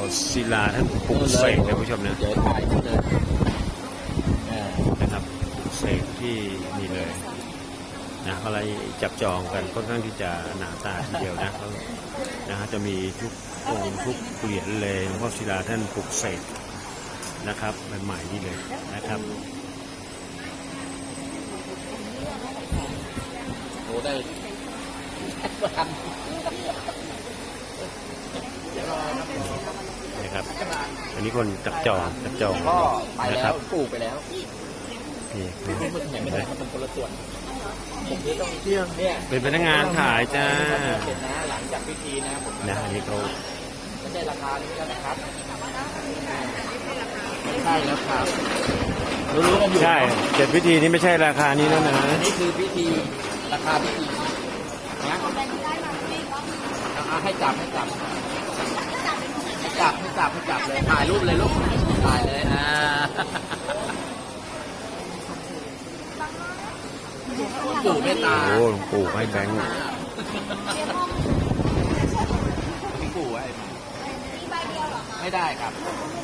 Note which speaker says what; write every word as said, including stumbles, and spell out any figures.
Speaker 1: ศิลาท่านปลุกเสกนะผู้ชมนะ
Speaker 2: เดี๋ยวถ่ายที่เลยอ่า
Speaker 1: นะครับปลุกเสกที่นี่เลยนะอะไรจับจองกันค่อนข้างที่จะหนาตาทีเดียวนะแล้วนะฮะจะมีทุกองค์ทุกเหรียญเลยหลวงพ่อศิลาท่านปลุกเสกนะครับใหม่ๆนี่เลยนะครับ
Speaker 2: โอ้ได้ทัน
Speaker 1: นะครับอันนี้คนจับจองจับจอง
Speaker 2: ก็ไป
Speaker 1: นะค
Speaker 2: แล้
Speaker 1: รั
Speaker 2: ว
Speaker 1: บ
Speaker 2: ปลูกไปแล้ว
Speaker 1: นี่
Speaker 2: ไม่ไม่ไหนไม่ได้มันเป็นคนละส่วนผมที่ต้องเที่ยงเนี่ย
Speaker 1: เป็นพนักงานขายจ้า
Speaker 2: เสร็จนะหลังจากพิธีนะผม
Speaker 1: นะอันนี้เขา
Speaker 2: ไม่ใช่ราคานี้แล้วนะครับใช่แล้วครับรู้ๆกันอยู่
Speaker 1: ใช่เสร็จพิธีนี้ไม่ใช่ราคานี้แล้วนะ
Speaker 2: อันนี้คือพิธีราคาพิธีนะเอาให้จับให้จับให้จับให้จับให้จับเลยถ่ายรูปเลยลูกถ่ายเลยอ่าปู่เมตตา
Speaker 1: โอ้หลวงปู่ให้แบงค์
Speaker 2: พี่ปู่ไว้ไม่ได้ครับ